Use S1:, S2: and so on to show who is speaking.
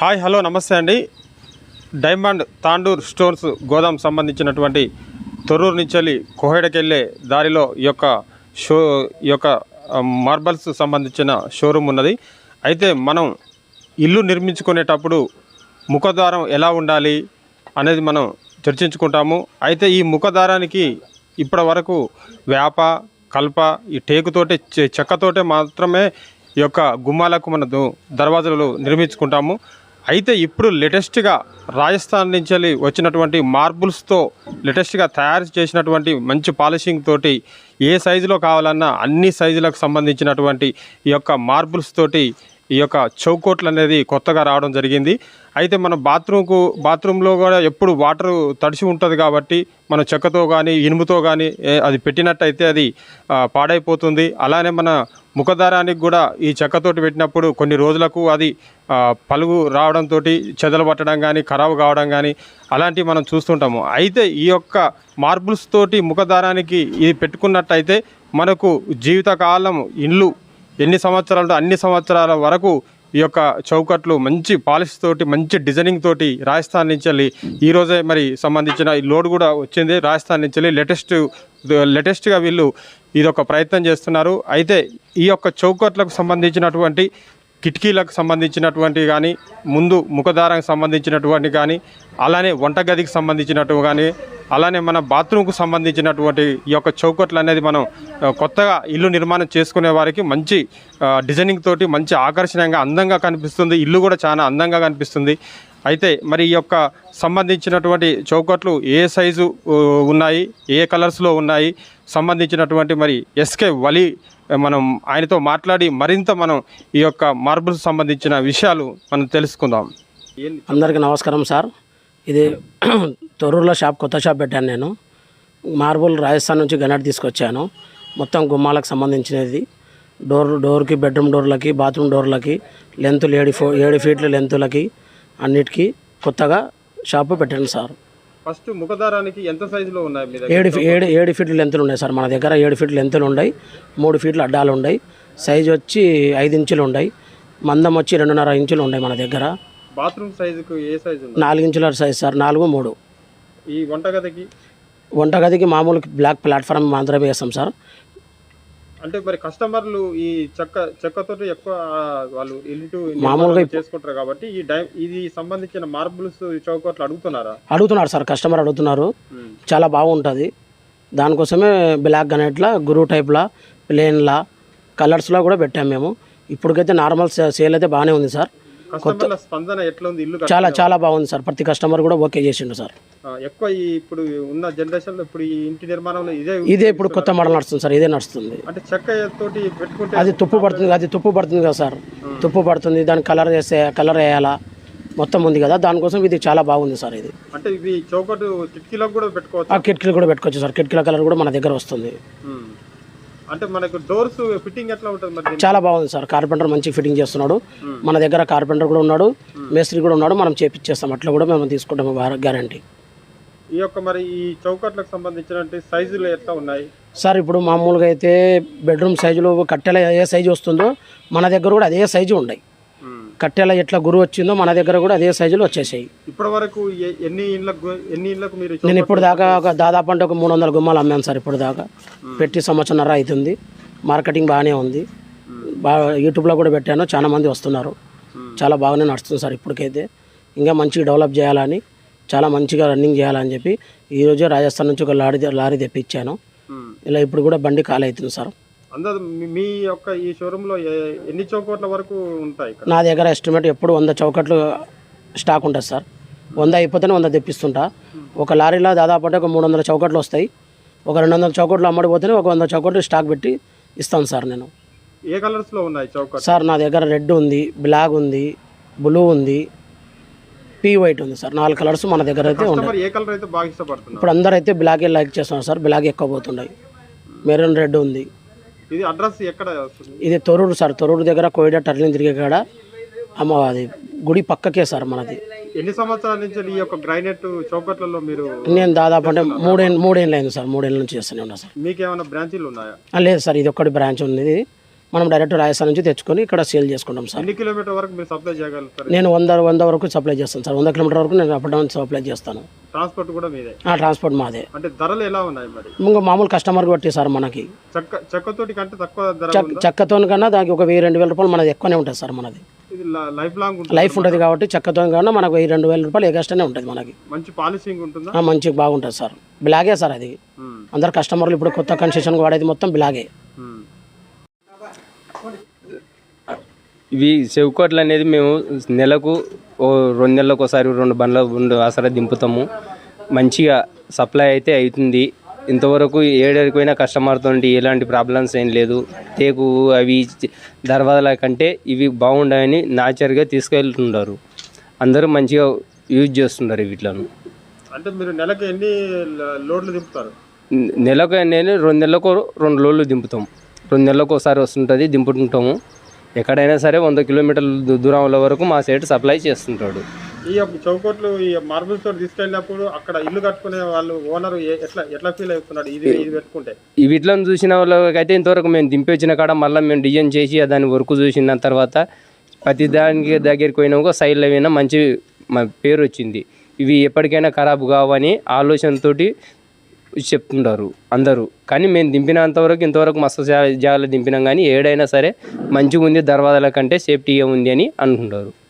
S1: Hi hello నమస్తే అండి. Diamond Tandur stores గోదాం సంబంధించినటువంటి తొర్రూరు నుంచి కోహెడకెళ్ళే దారిలో ఈ యొక్క మార్బల్స్ సంబంధించిన షోరూమ్ ఉన్నది. అయితే మనం ఇల్లు నిర్మించుకునేటప్పుడు ముఖద్వారం ఎలా ఉండాలి అనేది మనం చర్చించుకుంటాము. అయితే ఈ ముఖద్వారానికి ఇప్పటి వరకు వేప కల్ప ఈ టేకుతోటే చెక్కతోటే మాత్రమే ఈ యొక్క గుమ్మాలకు మన దర్వాజాలు నిర్మించుకుంటాము. అయితే ఇప్పుడు లేటెస్ట్గా రాజస్థాన్ నుంచి వచ్చినటువంటి మార్బుల్స్తో లేటెస్ట్గా తయారు చేసినటువంటి మంచి పాలిషింగ్ తోటి ఏ సైజులో కావాలన్నా అన్ని సైజులకు సంబంధించినటువంటి ఈ యొక్క మార్బుల్స్ తోటి ఈ యొక్క చౌకోట్లు అనేది కొత్తగా రావడం జరిగింది. అయితే మన బాత్రూంలో కూడా ఎప్పుడు వాటర్ తడిసి ఉంటుంది కాబట్టి మన చెక్కతో కానీ ఇనుముతో కానీ అది పెట్టినట్టయితే అది పాడైపోతుంది. అలానే మన ముఖదారానికి కూడా ఈ చెక్కతోటి పెట్టినప్పుడు కొన్ని రోజులకు అది పలుగు రావడంతో చెదలు పట్టడం కానీ ఖరాబు కావడం కానీ అలాంటివి మనం చూస్తుంటాము. అయితే ఈ యొక్క మార్బుల్స్ తోటి ముఖదారానికి ఇది పెట్టుకున్నట్టయితే మనకు జీవితకాలం ఇల్లు ఎన్ని సంవత్సరాలు అన్ని సంవత్సరాల వరకు ఈ యొక్క చౌకట్లు మంచి పాలిష్ తోటి మంచి డిజైనింగ్ తోటి రాజస్థాన్ నుంచి ఈరోజే మరి సంబంధించిన ఈ లోడ్ కూడా వచ్చింది. రాజస్థాన్ నుంచి లేటెస్ట్గా వీళ్ళు ఇదొక ప్రయత్నం చేస్తున్నారు. అయితే ఈ యొక్క చౌకట్లకు సంబంధించినటువంటి కిటికీలకు సంబంధించినటువంటి కానీ ముందు ముఖదారానికి సంబంధించినటువంటి కానీ అలానే వంటగదికి సంబంధించినట్టు కానీ అలానే మన బాత్రూమ్కు సంబంధించినటువంటి ఈ యొక్క చౌకట్లు అనేది మనం కొత్తగా ఇల్లు నిర్మాణం చేసుకునే వారికి మంచి డిజైనింగ్ తోటి మంచి ఆకర్షణీయంగా అందంగా కనిపిస్తుంది. ఇల్లు కూడా చాలా అందంగా కనిపిస్తుంది. అయితే మరి ఈ యొక్క సంబంధించినటువంటి చౌకట్లు ఏ సైజు ఉన్నాయి, ఏ కలర్స్లో ఉన్నాయి సంబంధించినటువంటి మరి ఎస్కే వలి మనం ఆయనతో మాట్లాడి మరింత మనం ఈ యొక్క మార్బుల్స్ సంబంధించిన విషయాలు మనం తెలుసుకుందాం.
S2: అందరికీ నమస్కారం సార్. ఇది తొర్రూరులో కొత్త షాప్ పెట్టాను నేను. మార్బుల్ రాజస్థాన్ నుంచి గనట్ తీసుకొచ్చాను. మొత్తం గుమ్మాలకు సంబంధించినది. డోర్కి బెడ్రూమ్ డోర్లకి బాత్రూమ్ డోర్లకి లెంతులు 7 ఫీట్ల లెంతులకి అన్నిటికీ కొత్తగా షాపు పెట్టాను సార్.
S1: ఫస్ట్ ముఖదారానికి ఎంత సైజులో ఉన్నాయి?
S2: 7 ఫీట్ల లెంతులు ఉన్నాయి సార్ మన దగ్గర. 7 ఫీట్ల లెంతులు ఉన్నాయి, 3 ఫీట్ల అడ్డాలు ఉన్నాయి. సైజు వచ్చి 5 ఇంచులు ఉన్నాయి, మందం వచ్చి 2.5 ఇంచులు ఉన్నాయి మన దగ్గర.
S1: బాత్రూమ్ సైజుకు ఏ సైజు?
S2: 4 ఇంచుల సైజు సార్, 4, 3.
S1: ఈ
S2: వంటగదికి మామూలు బ్లాక్ ప్లాట్ఫామ్ మాత్రమే వేస్తాం సార్.
S1: అంటే మరి కస్టమర్లు ఈ చెక్కతోటి ఎక్కువ వాళ్ళు ఇల్లు మామూలుగా చేసుకుంటారు కాబట్టి ఇది సంబంధించిన మార్బుల్స్ చౌకట్లు అడుగుతున్నారు
S2: సార్. కస్టమర్ అడుగుతున్నారు. చాలా బాగుంటుంది. దానికోసమే బ్లాక్ గ్రానైట్లా, గురు టైప్లా, ప్లేన్లా, కలర్స్లో కూడా పెట్టాము మేము. ఇప్పటికైతే నార్మల్ సేల్ అయితే బాగానే ఉంది సార్.
S1: స్పందన ఎట్లా ఉంది? ఇల్లు
S2: చాలా బాగుంది సార్. ప్రతి కస్టమర్ కూడా ఓకే చేసిండు సార్.
S1: ఎక్కువ ఇప్పుడు ఉన్న జనరేషన్ లో ఇప్పుడు ఈ ఇంటి నిర్మాణంలో
S2: ఇదే ఇప్పుడు కొత్త మోడల్ నడుస్తుంది సార్. ఇదే నడుస్తుంది.
S1: అంటే చెక్క తోటి పెట్టుకుంటే
S2: అది తుప్పు పడుతుంది కదా సార్. తుప్పు పడుతుంది. దానికి కలర్ వేయాలా మొత్తం ఉంది కదా, దానికోసం ఇది చాలా బాగుంది సార్. ఇది
S1: అంటే ఇవి చౌకట్టు కిటికీలకు కూడా పెట్టుకోవచ్చు.
S2: కిటికీలు కూడా పెట్టుకోవచ్చు సార్. కిటికీల కలర్ కూడా మన దగ్గర వస్తుంది.
S1: అంటే మనకు డోర్స్ ఫిట్టింగ్ ఎట్లా ఉంటుంది మరి?
S2: చాలా బాగుంది సార్. కార్పెంటర్ మంచి ఫిట్టింగ్ చేస్తున్నాడు. మన దగ్గర కార్పెంటర్ కూడా ఉన్నాడు, మేస్త్రి కూడా ఉన్నాడు. మనం చేపిచ్చేస్తాం. అట్లా కూడా మేము తీసుకుంటాము గ్యారంటీ.
S1: ఈ యొక్క మరి ఈ చౌకట్లకు సంబంధించిన సైజులు ఎట్లా ఉన్నాయి
S2: సార్? ఇప్పుడు మామూలుగా అయితే బెడ్రూమ్ సైజులో కట్టెల ఏ సైజు వస్తుందో మన దగ్గర కూడా అదే సైజు ఉన్నాయి. కట్టెల ఎట్లా గురు వచ్చిందో మన దగ్గర కూడా అదే సైజులో వచ్చేసాయి.
S1: ఇప్పటి వరకు ఎన్ని ఇళ్ళకు మీరు?
S2: నేను ఇప్పుడు దాకా దాదాపు అంటే ఒక 300 గుమ్మాలు అమ్మాను సార్. ఇప్పుడు దాకా పెట్టి 1.5 సంవత్సరం అవుతుంది. మార్కెటింగ్ బాగానే ఉంది. బాగా యూట్యూబ్లో కూడా పెట్టాను. చాలా మంది వస్తున్నారు. చాలా బాగానే నడుస్తుంది సార్. ఇప్పటికైతే ఇంకా మంచిగా డెవలప్ చేయాలని, చాలా మంచిగా రన్నింగ్ చేయాలని చెప్పి ఈరోజే రాజస్థాన్ నుంచి ఒక లారీ తెప్పించాను. ఇలా ఇప్పుడు కూడా బండి ఖాళీ అవుతుంది సార్.
S1: మీ యొక్క ఈ షోరూంలో ఎన్ని చౌకట్ల వరకు ఉంటాయి?
S2: నా దగ్గర ఎస్టిమేట్ ఎప్పుడు 100 చౌకట్లు స్టాక్ ఉంటుంది సార్. 100 అయిపోతేనే 100 తెప్పిస్తుంటా. ఒక లారీలో దాదాపు అంటే ఒక 300 చౌకట్లు వస్తాయి. ఒక 200 చౌకట్లు అమ్మడిపోతేనే ఒక 100 చౌకట్లు స్టాక్ పెట్టి ఇస్తాను సార్ నేను.
S1: ఏ కలర్స్లో ఉన్నాయి చౌకట్లు
S2: సార్? నా దగ్గర రెడ్ ఉంది, బ్లాక్ ఉంది, బ్లూ ఉంది, వైట్ ఉంది సార్. 4 కలర్స్ మన దగ్గర అయితే ఉన్నాయి.
S1: ఏ కలర్ అయితే బాగా ఇష్టపడుతున్నారు?
S2: ఇప్పుడు అందరూ అయితే బ్లాక్ లైక్ చేస్తున్నారు సార్. బ్లాక్ ఎక్కువ పోతున్నాయి. మెరూన్ రెడ్ ఉంది.
S1: ఇది అడ్రస్ ఎక్కడ వస్తుంది?
S2: ఇది తొర్రూరు సార్. తొర్రూరు దగ్గర కోయిడా టర్నింగ్ తిరిగే కాడ అది గుడి పక్కకే సార్ మనది.
S1: ఎన్ని సంవత్సరాల నుంచి ఈ యొక్క గ్రానైట్ చౌకట్లలో మీరు?
S2: నేను దాదాపు అంటే 3 ఏళ్ళు అయింది సార్. 3 ఏళ్ళ నుంచి చేస్తూనే ఉన్నా సార్.
S1: మీకు ఏమైనా బ్రాంచీలు ఉన్నాయా?
S2: లేదు సార్. ఇది ఒక్కటి బ్రాంచ్ ఉంది. మనం డైరెక్ట్ రాజస్థాన్ నుంచి తెచ్చుకొని ఇక్కడ సేల్ చేసుకుంటాం సార్.
S1: ఎన్ని కిలోమీటర్ వరకు మీరు సప్లై చేయగలుగుతారు?
S2: నేను 100 వరకు సప్లై చేస్తాను సార్. 100 కిలోమీటర్ వరకు నేను అప్ డౌన్ సప్లై చేస్తాను.
S1: ట్రాన్స్పోర్ట్ కూడా మీదే?
S2: ట్రాన్స్పోర్ట్ మాదే.
S1: అంటే ధరలు ఎలా ఉన్నాయి మరి?
S2: ఇంకా మామూలు కస్టమర్ బట్టి సార్. మనకి
S1: చెక్కతోటి కంటే తక్కువ ధర?
S2: చెక్కతో కన్నా దానికి ఒక 1000-2000 రూపాయలు మనది ఎక్కువనే ఉంటుంది సార్. మనది
S1: ఇది లైఫ్ లాంగ్
S2: లైఫ్ ఉంటుంది కాబట్టి చెక్కతో కన్నా మనకు 1000-2000 రూపాయలు ఎక్స్ట్రానే ఉంటుంది మనకి.
S1: మంచి పాలిషింగ్ ఉంటుందా?
S2: మంచిగా బాగుంటుంది సార్. బ్లాగే సార్ అది. అందరు కస్టమర్లు ఇప్పుడు కొత్త కన్సెషన్ వాడేది మొత్తం బ్లాగే.
S3: ఇవి చెవికోట్లు అనేది మేము నెలకు 2 నెలలకు ఒకసారి 2 బండ్ల ఆసరా దింపుతాము. మంచిగా సప్లై అయితే అవుతుంది. ఇంతవరకు ఏడరిపోయిన కస్టమర్తో ఎలాంటి ప్రాబ్లమ్స్ ఏం లేదు. తేకు అవి దర్వాజాల కంటే ఇవి బాగుండాయని న్యాచురల్గా తీసుకెళ్తున్నారు. అందరూ మంచిగా యూజ్ చేస్తున్నారు వీటిలను.
S1: అంటే మీరు నెలకు ఎన్ని లోడ్లు దింపుతారు?
S3: నెలకు నేను 2 నెలలకు 2 లోడ్లు దింపుతాం. 2 నెలలకు ఒకసారి వస్తుంటుంది, దింపుతుంటాము. ఎక్కడైనా సరే 100 కిలోమీటర్ల దూరంలో వరకు మా సైడ్ సప్లై చేస్తుంటాడు.
S1: ఈ చౌకోట్లు ఈ మార్బుల్స్ తోటి తీసుకెళ్ళినప్పుడు అక్కడ ఇల్లు కట్టుకునే వాళ్ళు ఓనర్ ఎట్లా ఫీల్ అవుతున్నాడు ఇది పెట్టుకుంటే?
S3: ఈ వీటిలను చూసిన వాళ్ళకైతే ఇంతవరకు మేము దింపి వచ్చిన కాడ మళ్ళీ మేము డిజైన్ చేసి దాని వర్క్ చూసిన తర్వాత ప్రతి దానికి దగ్గరికి పోయినా సైడ్లో అయినా మంచి పేరు వచ్చింది. ఇవి ఎప్పటికైనా ఖరాబ్ కావని ఆలోచనతోటి చెప్తుంటారు అందరూ. కానీ మేము దింపినంతవరకు ఇంతవరకు మస్తు జాగాలో దింపినాం, కానీ ఏడైనా సరే మంచిగా ఉంది, దర్వాజాల కంటే సేఫ్టీగా ఉంది అని అనుకుంటారు.